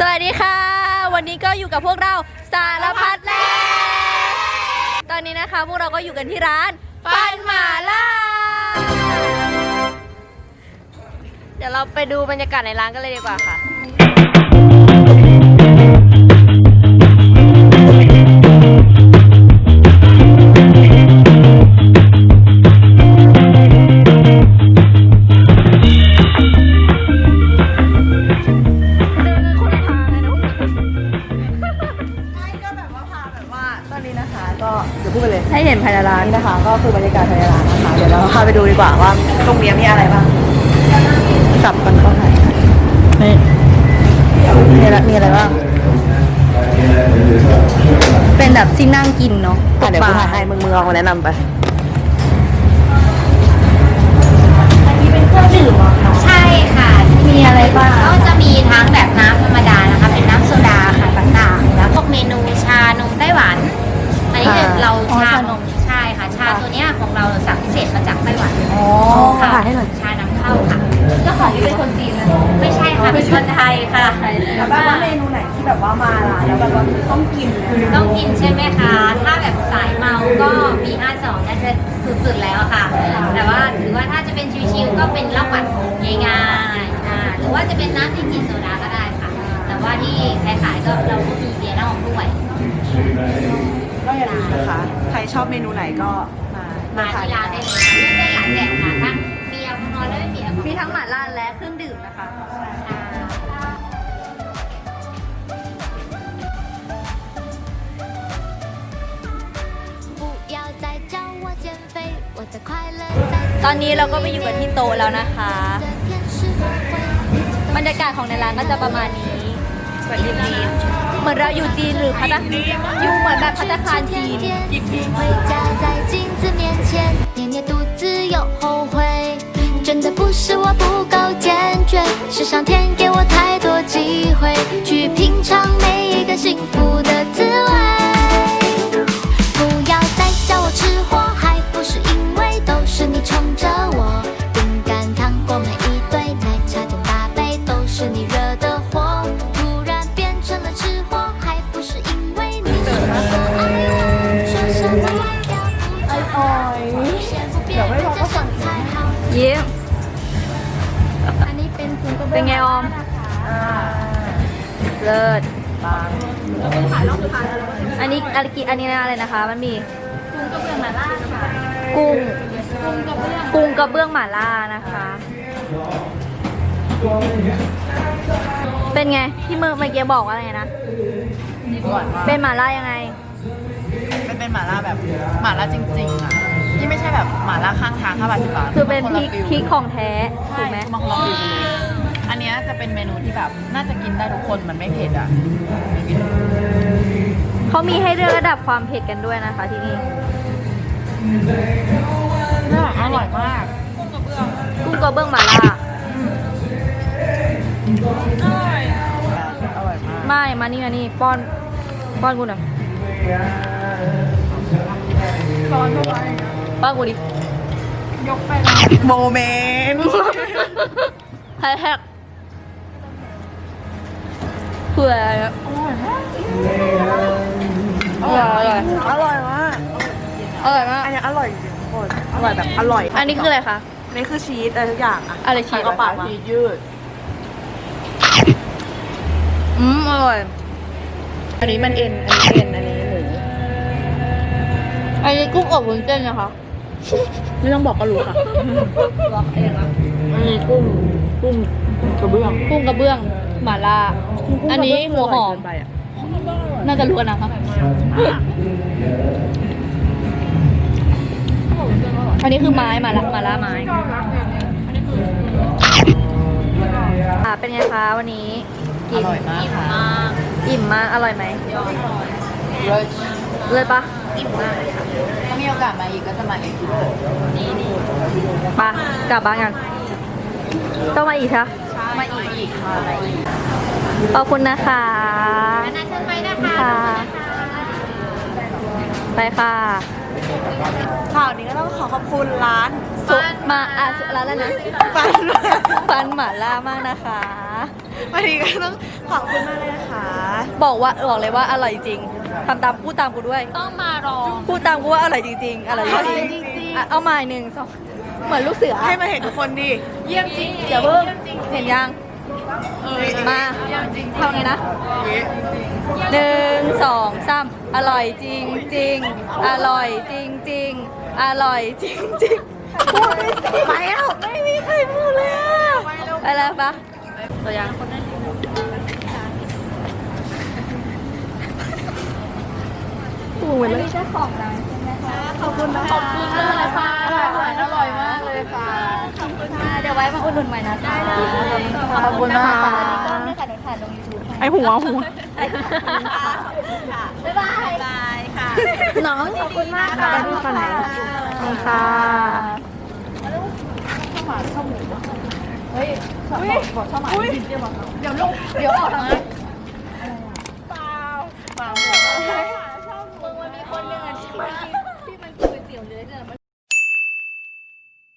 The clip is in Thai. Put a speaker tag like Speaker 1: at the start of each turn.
Speaker 1: สวัสดีค่ะวันนี้ก็อยู่กับพวกเราสารพัดแลตอนนี้นะคะพวกเราก็อยู่กันที่ร้านปันหม่าล่าเดี๋ยวเราไปดูบรรยากาศในร้านกันเลยดีกว่าค่ะ
Speaker 2: พูดไปเลย
Speaker 1: ให้เห็นภายในร้าน
Speaker 2: นี่นะคะก็คือบรรยากาศภายในร้านนะคะเดี๋ยวเราพาไปดูดีกว่าว่าตรงนี้มีอะไรบ้างสับกันก็ถ่ายนี่มีอะไรบ้าง
Speaker 1: เป็นแบบที่นั่งกินเนาะ
Speaker 2: เดี๋ยวกูถ่ายให้มึงเอามาแนะนำไป
Speaker 1: อันนี้เป็นเครื่องดื่มเหรอคะ
Speaker 3: ใช่ค่ะ
Speaker 1: มีอะไรบ้าง
Speaker 3: ก็จะมีทั้งแบบน้ำธรรมดานะคะเป็นน้ำโซดาค่ะต่างๆแล้วพวกเมนูชานมไต้หวันอันนี้เราชานมใช่ค่ะชาตัวเนี้ยของเราสั่งพิเศษมาจากไต้หวัน
Speaker 2: ค่ะถ่ายให้หน่อย
Speaker 3: ชานำเข้าค่ะ
Speaker 1: เจ้าของนี่เป็นคนจีนนะ
Speaker 3: ไม่ใช่ค่ะเป็นคนไทยค่ะ
Speaker 2: แล้วว่าเมนูไหนที่แบบว่ามาร้านแล้วแบบว่าต้องกิน
Speaker 3: ต้องกินใช่ไหมคะถ้าแบบสายเมาก็มี52น่าจะสุดๆแล้วค่ะแต่ว่าหรือว่าถ้าจะเป็นชิวๆก็เป็นเหล้าหวานง่ายๆหรือว่าจะเป็นน้ำที่จีนโซดาก็ได้ค่ะแต่ว่าที่ขายๆก็เราก็มีเบียร์เหล้าด้วย
Speaker 2: ก็อย่าลืมนะคะใครชอบเมนูไหนก็
Speaker 3: มาที่ร้านได้เลยค่ะเลือกได้หลายแบบค่ะทั้งมีแอลกอฮอล์และไม่มีแอลกอฮอล์
Speaker 1: มีทั้งหม่าล่าและเครื่องดื่มนะคะตอนนี้เราก็ไปอยู่กันที่โต๊ะแล้วนะคะบรรยากาศของในร้านก็จะประมาณนี้เหมือนเราอยู่จีนหรือพัตอยู่เหมือนแบบภัตตาคารจีน
Speaker 4: 真的不是我不够坚决，是上天给我太多机会，去品尝每一个幸福的滋味。不要再叫我吃货，还不是因为都是你宠着我。饼干、糖果每一堆，奶茶点大杯，都是你惹的祸。突然变成了吃货，还不是因为你说我爱我，说什么忘掉不掉，先不别人家身材好。
Speaker 1: ยิ้มเป็นไงออมเลิศอันนี้อะไรนะคะมันมีกุ้งกระเบื้องหม่าล่านะคะเป็นไงที่เมื่อกี้บอกว่าอะไรนะเป็นหม่าล่ายังไง
Speaker 2: เป็นหม่าล่าแบบหม่าล่าจริงๆอ่ะที่ไม่ใช่แบบหม่าล่าข้างทาง5 บาท 10 บาท
Speaker 1: คือเป็นพริกของแท้ถูกไหม
Speaker 2: มาลองดูอันนี้จะเป็นเมนูที่แบบน่าจะกินได้ทุกคนมันไม่เผ็ดอ่ะ
Speaker 1: เขามีให้เลือกระดับความเผ็ดกันด้วยนะคะที่นี่
Speaker 2: อร่อยมาก
Speaker 1: กุ้งกระเบื้องหม่าล่า
Speaker 2: อร่อยมาก
Speaker 1: ไม่มานี่ป้อนกูหน่อยป้อนกูดิ
Speaker 2: ยกไปโมเมนต์
Speaker 1: แฮกเผื่ออร่อยมาก
Speaker 2: อันนี้อร่อยจริงๆทุกคนอร่อยแบบอร่อย
Speaker 1: อันนี้คืออะไรคะ
Speaker 2: อันนี้คือชีสอะไรทุกอย่างอะ
Speaker 1: อะไรชีส
Speaker 2: ก็ปากชีสยืด
Speaker 1: อร่อย
Speaker 2: อันนี้มันเอ็นอันนี้หมู
Speaker 1: อันนี้กุ้งอบวุ้นเส้นนะคะ
Speaker 2: ไม่ต้องบอกก็รู้ค่ะ
Speaker 1: บอกเองนะ
Speaker 2: อันนี้กุ้งกระเบื้
Speaker 1: องหม่าล่าอันนี้หัวหอมน่าจะรู้กันนะคะอันนี้คือไม้หม่าล่าไม้เป็นไงคะวันนี้
Speaker 2: อร่อยมากค่ะ
Speaker 1: อิ่มมากอร่อยไหมเลยปะ
Speaker 3: อิ่มมากค่ะ
Speaker 2: ถ้ามีโอกาสมาอีกก็จะมาอีก
Speaker 3: นี่
Speaker 1: ปะกลับบ้านกันต้องมาอีกคะ
Speaker 2: มาอีกค่ะ
Speaker 1: ขอบคุณนะคะ
Speaker 3: น่าเชิญไปนะคะ
Speaker 1: ไปค่ะ
Speaker 2: ข่าวนี้ก็ต้องขอบคุณร้าน
Speaker 1: สุมาร้านอะไรนะฟันหม่าล่ามากนะคะ
Speaker 2: วันนี้ก็ต้องขอบคุณมากเลยนะคะ
Speaker 1: บอกเลยว่าอร่อยจริงทำตามพูดตามกูด้วย
Speaker 3: ต้องมาลอง
Speaker 1: พูดตามกูว่าอร่อยจริงๆอร่อยจริงๆเอาใหม่หนึ่งสองเหมือนลูกเสือ
Speaker 2: ให้มาเห็นทุกคนดิ
Speaker 3: เยี่ยมจริง
Speaker 1: อย่าเพิ่งเห็นยังมาเท่านี้นะหนึ่งสองสามอร่อยจริงจริงอร่อยจริงจริงอร่อยจริงจริงพูดไม่สิไปแล้วไม่มีใครพูดเลยอะไปแล้วปะตัวอย่างคนนั้นพูดเลยเจ้าของร้านใช่ไหมคะขอบคุณนะคะขอบคุณเลยค่ะอร่อยมากเลยค่ะขอบคุณค่ะเดี๋ยวไว้มาอุดหนุนใหม่นะได้เลยขอบคุณนะคะอันนี้ก็ไม่ค่ะเดี๋ยวถ่ายลง YouTube
Speaker 2: ไอหัว
Speaker 1: บ๊ายบายค่ะน้องขอบคุณมากค่ะ
Speaker 2: ขอบคุณค่ะค่ะ
Speaker 1: เฮ้ยบอกชอบหมาเดี๋ยวออกนะเปล่ามึงมันมีคนหนึ่งอ่ะที่มันคือเตี๋ยวเนื้อ